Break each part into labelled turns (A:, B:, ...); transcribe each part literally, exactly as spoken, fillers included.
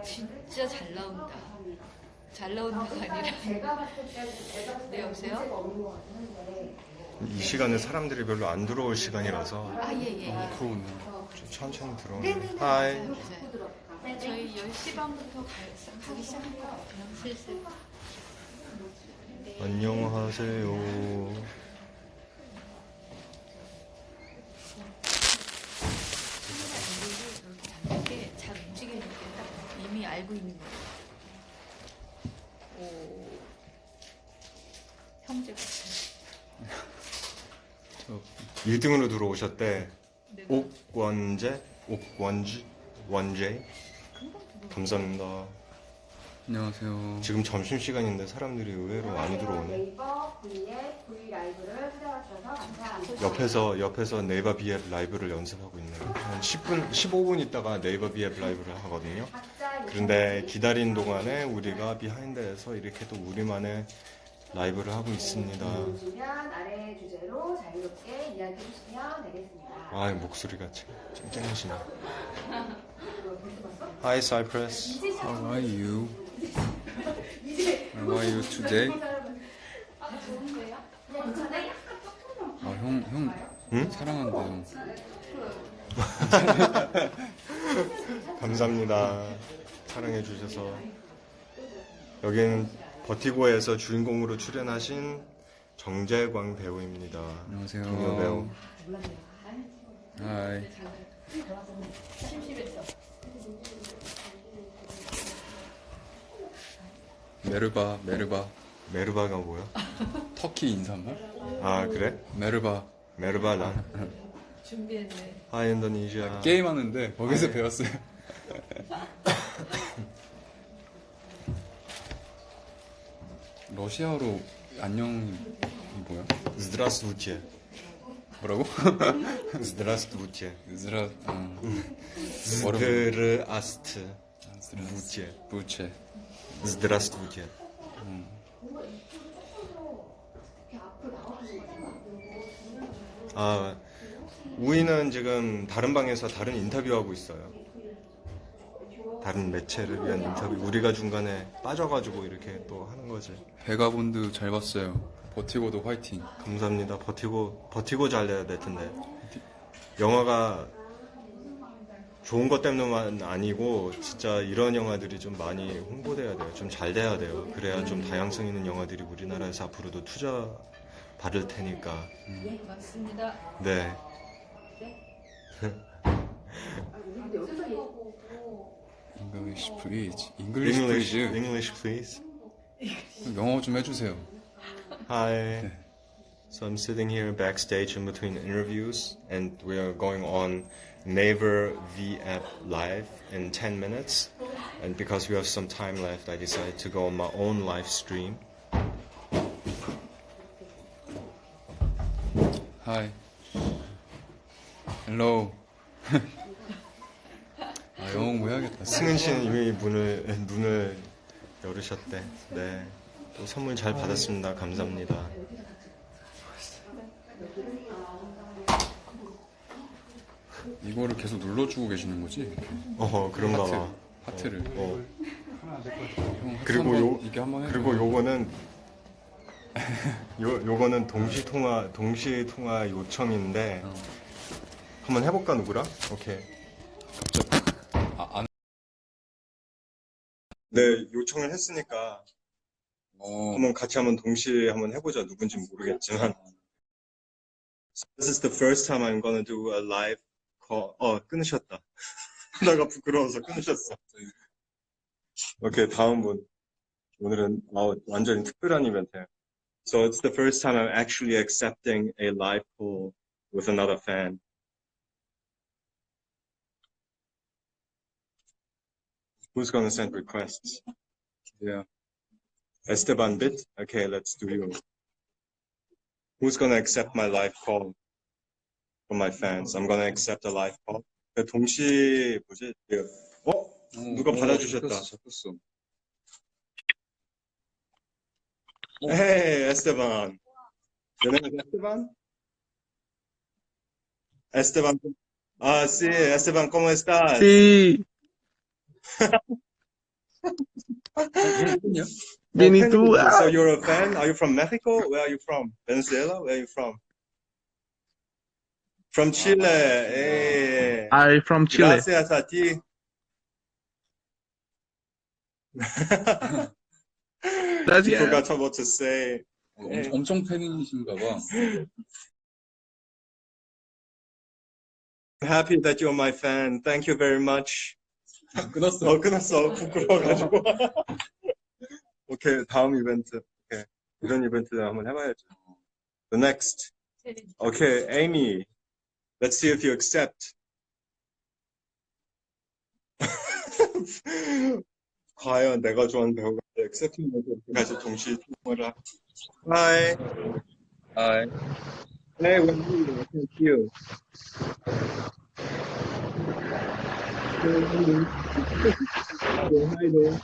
A: 진짜 잘 나온다. 잘 나온다가 아니라. 네, 여보세요?
B: 이 시간에 사람들이 별로 안 들어올 시간이라서
A: 아, 예, 예, 예.
B: 그러네. 좀 천천히 들어오네.
A: 네네네.
B: 하이.
A: 맞아요, 맞아요. 저희 열 시 반부터 가, 가기 시작할 것 같아요, 슬슬.
B: 안녕하세요.
A: 이렇게 잡는 게 잘 움직이는 게 딱 이미 알고 있는 거예요. 오, 형제 같아요.
B: 일 등으로 들어오셨대.
A: 네.
B: 옥원재? 옥원지? 원재? 감사합니다.
C: 안녕하세요.
B: 지금 점심시간인데 사람들이 의외로 많이 들어오네.
D: 네이버 V앱 V 라이브를 찾아와주셔서 감사합니다.
B: 옆에서, 옆에서 네이버 비앱 라이브를 연습하고 있네요. 한 십 분, 십오 분 있다가 네이버 비앱 라이브를 하거든요. 그런데 기다린 동안에 우리가 비하인드에서 이렇게 또 우리만의 라이브를 하고 있습니다.
D: 주시면 아래 주제로 자유롭게 이야기해 주시면 되겠습니다.
B: 아, 목소리가 참 쨍쨍하시네. Hi, Cypress.
C: How are you? How are you today?
D: 아, 좋은데요? 괜찮아요?
C: 아, 형, 형
B: 응?
C: 사랑한다, 형.
B: 감사합니다. 사랑해주셔서. 여기는 버티고에서 주인공으로 출연하신 정재광 배우입니다.
C: 안녕하세요.
B: 동료 배우.
C: 하이. 메르바, 메르바.
B: 메르바가 뭐야?
C: 터키 인사말?
B: 아, 그래?
C: 메르바.
B: 메르바란.
A: 준비했네.
B: 하이, 인도네시아.
C: 게임하는데 거기서
B: 아, 네.
C: 배웠어요. 러시아어로 안녕이 뭐야?
B: Здравствуйте.
C: 뭐라고?
B: Здравствуйте.
C: 으즈라, 어.
B: Здравствуйте.
C: 부체.
B: Здравствуйте. 아, 우이는 지금 다른 방에서 다른 인터뷰하고 있어요. 다른 매체를 위한 인터뷰. 우리가 중간에 빠져가지고 이렇게 또 하는 거지.
C: 베가본드 잘 봤어요. 버티고도 화이팅.
B: 감사합니다. 버티고, 버티고 잘 돼야 될 텐데. 영화가 좋은 것 때문만 아니고, 진짜 이런 영화들이 좀 많이 홍보돼야 돼요. 좀 잘 돼야 돼요. 그래야 좀 다양성 있는 영화들이 우리나라에서 앞으로도 투자 받을 테니까.
A: 네, 맞습니다.
B: 네.
C: English please. English
B: English,
C: please.
B: English, please.
C: 영어 좀 해주세요.
B: Hi. So I'm sitting here backstage in between interviews, and we are going on Naver V app live in ten minutes. And because we have some time left, I decided to go on my own live stream.
C: Hi. Hello. 아, 영어 공부해야겠다.
B: 승은 씨는 이미 문을 눈을 열으셨대. 네. 또 선물 잘 받았습니다. 감사합니다.
C: 이거를 계속 눌러주고 계시는 거지? 이렇게.
B: 어, 그런가
C: 하트,
B: 봐.
C: 하트를.
B: 어.
C: 형, 하트
B: 그리고
C: 한번
B: 요
C: 이렇게 한번 해.
B: 그리고 요거는 요 요거는 동시 통화 동시 통화 요청인데
C: 어.
B: 한번 해볼까 누구랑? 오케이.
C: 아, 안.
B: 네, 요청을 했으니까
C: 어.
B: 한번 같이 한번 동시에 한번 해보자. 누군지 모르겠지만. This is the first time I'm gonna do a live call. 어, 끊으셨다. 하다가 부끄러워서 끊으셨어. 오케이, 다음 분. 오늘은 어, 완전히 특별한 이벤트예요. So it's the first time I'm actually accepting a live call with another fan. Who's gonna send requests?
C: Yeah.
B: Esteban Bit? Okay, let's do you. Who's gonna accept my live call from my fans? I'm gonna accept a live call. 동시 뭐지? 어? 누가 받아주셨다.
C: 잡혔어, 잡혔어.
B: Hey, Esteban. Your name is Esteban? Esteban. Ah, sí, Esteban, ¿cómo estás?
E: Sí,
C: 팬이요?
B: Benny
C: Benny too.
B: So you're a fan? Are you from Mexico? Where are you from? Venezuela? Where are you from? From Chile. Hey.
C: I from Chile.
B: Gracias a ti. She
C: Gracias.
B: forgot what to say.
E: 어, 엄- 엄청 팬이신가 봐.
B: I'm happy that you're my fan. Thank you very much.
E: 끊었어.
B: 어, 끊었어. 부끄러워가지고. 오케이, 다음 이벤트. 오케이. 이런 이벤트를 한번 해봐야죠. The next. Okay, Amy. Let's see if you accept. 과연 내가 좋아하는 배우가 accept면서 같이 동시에 통화를 하. Hi.
E: 아,
B: Hey, Wendy. Thank you. Hi there.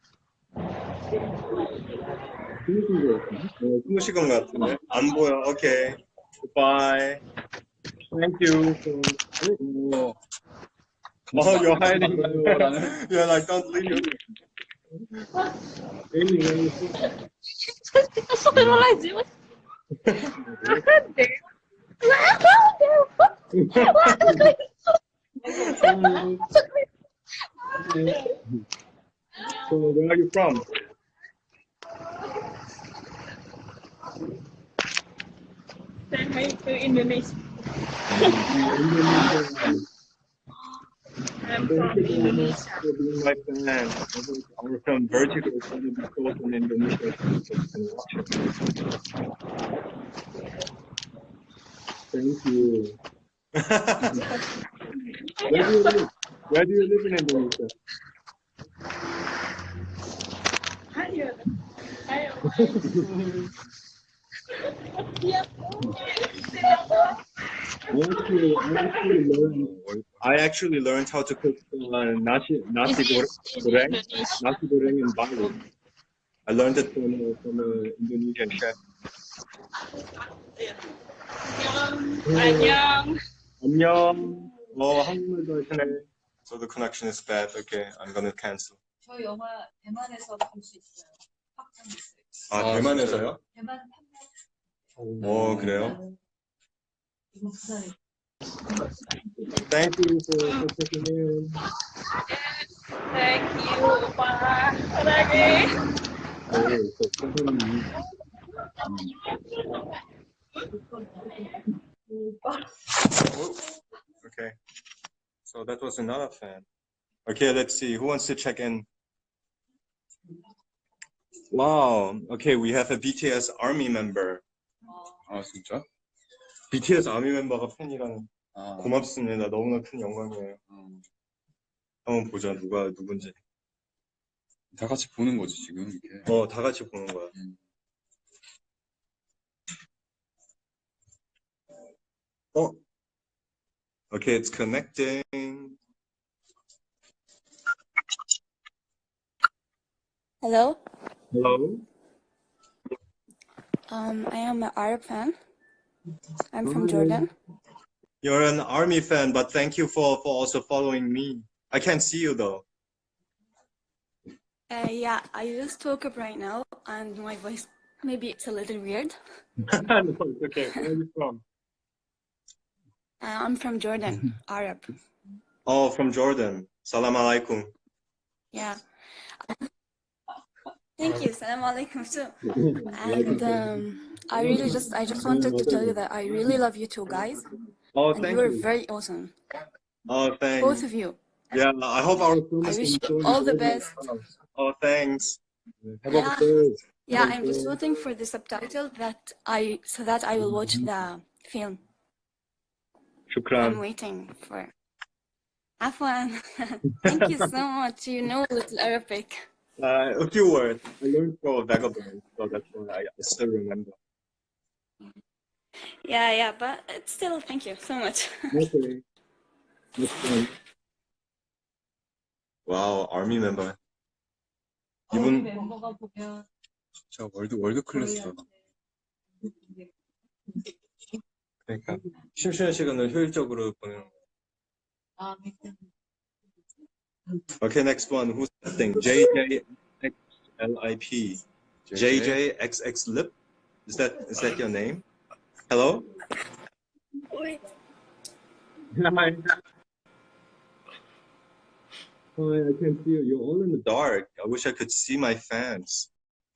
B: 숨으신 것 같은데? 안 보여. 오케이. Bye. Thank you.
E: 오,
B: Oh, you're hiding.
E: 감사합니다.
B: You're like, don't leave. Amy, where are you from? So, where are you from?
F: Saya ke Indonesia. I'm from Indonesia.
B: For being my fan. Our film Vertigo is going to be sold in Indonesia. So you can watch it. Thank you. Where do you live? Where do you live in Indonesia?
F: Ayo, ayo.
B: I actually, I actually learned. I actually learned how to cook uh, nasi nasi goreng, nasi goreng in Bali. I learned it from a, from an Indonesian chef.
F: Annyeong.
B: 안녕. 어, 한국말도 하시네. So the connection is bad. Okay, I'm gonna cancel.
A: 저 영화 대만에서 볼 수 있어요. 확정됐어요.
B: 아,
E: 아,
B: 대만에서요?
A: 대만 판매.
B: 어, 그래요?
A: 이거 부산에.
B: Thank you for, for checking in.
F: Thank you, Opa. 사랑해.
B: Oh, so somebody- Oh, okay. So that was another fan. Okay, let's see. Who wants to check in? Wow. Okay, we have a B T S ARMY member.
E: 아, 진짜?
B: B T S ARMY 멤버가 팬이라는
E: 아,
B: 고맙습니다. 너무나 큰 영광이에요.
E: 음,
B: 한번 보자. 누가 누군지.
E: 다 같이 보는 거지, 지금, 이렇게.
B: 어, 다 같이 보는 거야. 어? Okay, it's connecting.
G: Hello,
B: Hello?
G: um, I am an Arab fan. I'm from Jordan.
B: You're an ARMY fan, but thank you for, for also following me. I can't see you though.
G: Uh, yeah, I just woke up right now, and my voice maybe it's a little weird.
B: No, it's okay. Where are you from?
G: Uh, I'm from Jordan, Arab.
B: Oh, from Jordan. Salam alaikum.
G: Yeah. Thank you. Salam alaikum too. And um, I really just I just wanted to tell you that I really love you two guys,
B: Oh,
G: and
B: thank
G: you are
B: you.
G: very awesome,
B: Oh, thanks.
G: both of you.
B: Yeah, I hope our film
G: I
B: is
G: wish
B: going
G: you
B: to
G: all the best.
B: Oh, thanks. Have
G: Yeah.
B: a good day.
G: Yeah, I'm just waiting for the subtitle that I so that I will watch the film. I'm
B: Shukran.
G: waiting for. Afwan, thank you so much. You know a little Arabic.
B: Uh, a few words. I learned for Vagabond, so that's why I, I still remember.
G: Yeah, yeah, but it's still thank you so much.
B: Okay. That's fine. Wow, ARMY member.
A: 우리
B: 이분
A: 멤버가 보면
E: 진짜 월드, 월드 클래스다.
B: 그러니까 심심한 시간을 효율적으로 보내는 거.
A: 아, 그
B: Okay, next one. Who's that thing? J J X L I P. J J X X Lip. Is that is that your name? Hello?
G: Wait.
B: Hi. Oh, I can't see you. You're all in the dark. I wish I could see my fans.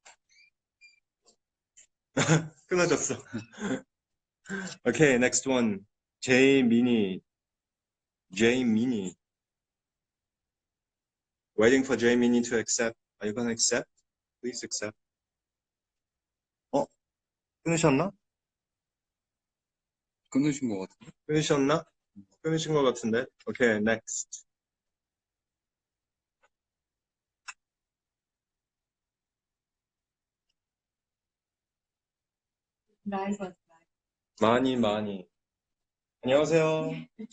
B: 끊어졌어. Okay, next one. J Mini. J Mini. Waiting for J Mini to accept. Are you gonna accept? Please accept. 어? 끊으셨나?
E: 끊으신 것 같은데.
B: 끊으셨나? 끊으신 것 같은데. Okay, next.
A: 라이브
B: 많이 많이. 안녕하세요.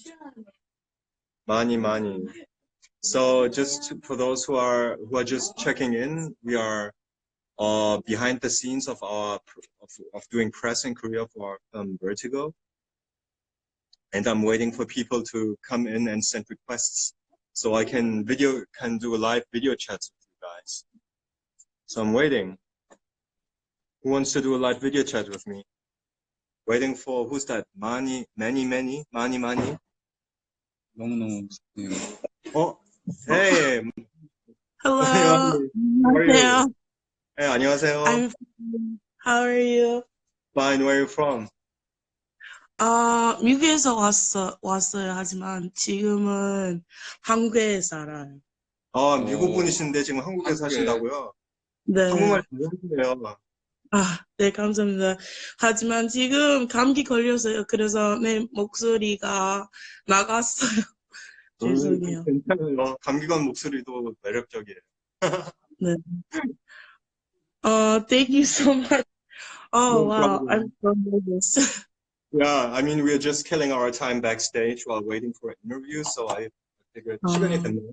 B: 많이 많이. So just for those who are who are just checking in, we are uh, behind the scenes of our of, of doing press in Korea for our film Vertigo, and I'm waiting for people to come in and send requests so I can video can do a live video chat with you guys. So I'm waiting. Who wants to do a live video chat with me? Waiting for who's that? Mani, many, many, mani, mani.
E: 너무너무 네.
B: Oh, hey.
H: Hello.
B: How are you?
H: 안녕하세요.
B: Hey, 안녕하세요.
H: I'm fine. How are you?
B: Fine. Where are you from?
H: 아, 미국에서 왔어, 왔어요. 하지만 지금은 한국에 살아요.
B: 아, 미국 분이신데 지금 한국에
E: 한국에.
B: 사신다고요?
H: 네.
B: 한국말 잘하시네요.
H: 아, 네, 감사합니다. 하지만 지금 감기 걸려서요. 그래서 내 목소리가 나갔어요. 죄송해요.
B: 괜찮아요. 감기 건 목소리도 매력적이에요.
H: 네. 어, thank you so much. Oh,
B: No
H: wow.
B: problem.
H: I'm so nervous.
B: Yeah, I mean, we're just killing our time backstage while waiting for an interview, so I figured
H: 아.
B: 시간이 됐네요.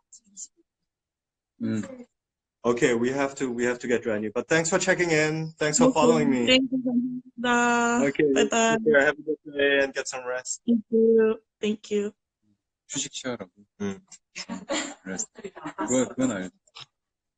E: 음.
B: Okay, we have to we have to get ready. But thanks for checking in. Thanks for following me.
H: Thank you. 감사합니다.
B: Okay,
H: Bye-bye.
B: take care. Have a good day and get some rest.
H: Thank you. Thank you.
E: 휴식 취하라고.
B: 음.
E: 그래서 그건 그건 알죠.